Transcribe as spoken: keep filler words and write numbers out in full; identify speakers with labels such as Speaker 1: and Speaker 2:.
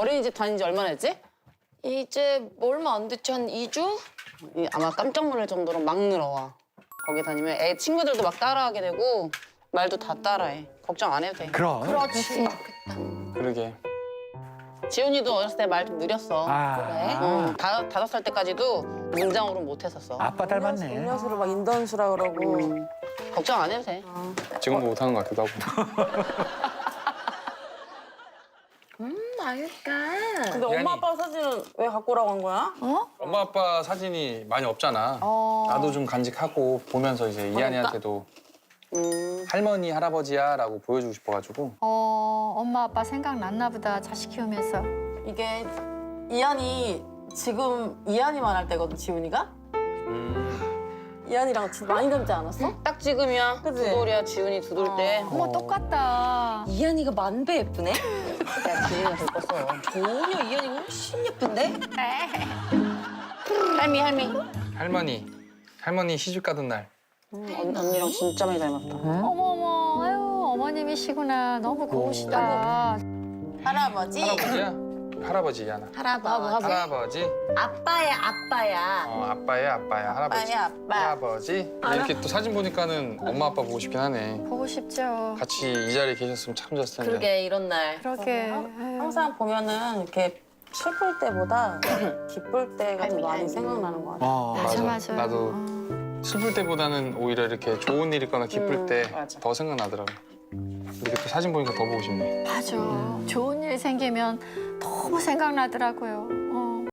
Speaker 1: 어린이집 다닌 지 얼마나 됐지?
Speaker 2: 이제 얼마 안 됐지? 한 이 주?
Speaker 1: 이- 아마 깜짝 놀랄 정도로 막 늘어와. 거기 다니면 애 친구들도 막 따라하게 되고 말도 다 따라해. 걱정 안 해도 돼.
Speaker 3: 그럼.
Speaker 2: 그렇지.
Speaker 4: 그러게.
Speaker 1: 지훈이도 어렸을 때 말 좀 느렸어.
Speaker 3: 아.
Speaker 2: 그래?
Speaker 1: 응, 다, 다섯 살 때까지도 문장으로 못 했었어.
Speaker 3: 아빠 닮았네.
Speaker 5: 음료수를 막 인던수라 그러고.
Speaker 1: 음, 걱정 안 해도 돼.
Speaker 4: 지금도 못하는 것 같기도 하고.
Speaker 2: 음, 맛있다.
Speaker 5: 근데 엄마 아빠 사진은 왜 갖고 오라고 한 거야?
Speaker 4: 엄마 아빠 사진이 많이 없잖아.
Speaker 2: 어.
Speaker 4: 나도 좀 간직하고 보면서 이제 이한이한테도
Speaker 1: 음,
Speaker 4: 할머니 할아버지야 라고 보여주고 싶어가지고.
Speaker 6: 어, 엄마 아빠 생각났나 보다 자식 키우면서.
Speaker 5: 이게 이한이 지금 이한이만 할 때거든, 지훈이가?
Speaker 4: 음.
Speaker 5: 이한이랑 진짜 많이 닮지 않았어?
Speaker 1: 딱 지금이야.
Speaker 5: 그치?
Speaker 1: 두돌이야, 지훈이 두돌 때.
Speaker 6: 어머 똑같다.
Speaker 2: 이한이가 만 배 예쁘네?
Speaker 1: 야, 지훈이가 더 컸어.
Speaker 2: 전혀 이한이가 훨씬 예쁜데?
Speaker 1: 할미, 할미.
Speaker 4: 할머니. 할머니 시집 가던 날.
Speaker 1: 음, 언, 언니랑 진짜 많이 닮았다.
Speaker 6: 어머 어머 아유 어머님이시구나. 너무 고우시다.
Speaker 5: 할아버지?
Speaker 4: 할아버지야? 할아버지 이한아.
Speaker 2: 할아버지.
Speaker 4: 할아버지.
Speaker 2: 아빠야, 아빠야.
Speaker 4: 어, 아빠야 아빠야 할아버지.
Speaker 5: 아빠야, 아빠.
Speaker 4: 할아버지. 이렇게 또 사진 보니까는 엄마 아빠 보고 싶긴 하네.
Speaker 6: 보고 싶죠.
Speaker 4: 같이 이 자리에 계셨으면 참 좋았을 텐데.
Speaker 2: 그러게, 이런 날.
Speaker 6: 그러게. 아유.
Speaker 5: 항상 보면은 이렇게 슬플 때보다 기쁠 때가 더
Speaker 1: 할미,
Speaker 5: 많이
Speaker 1: 할미.
Speaker 5: 생각나는 것 같아.
Speaker 3: 어.
Speaker 6: 맞아 맞아.
Speaker 4: 나도 슬플 때보다는 오히려 이렇게 좋은 일 있거나 기쁠
Speaker 1: 음,
Speaker 4: 때
Speaker 1: 맞아.
Speaker 4: 더 생각나더라고. 이렇게 또 사진 보니까 더 보고 싶네.
Speaker 6: 맞아. 좋은 일 생기면 너무 생각나더라고요.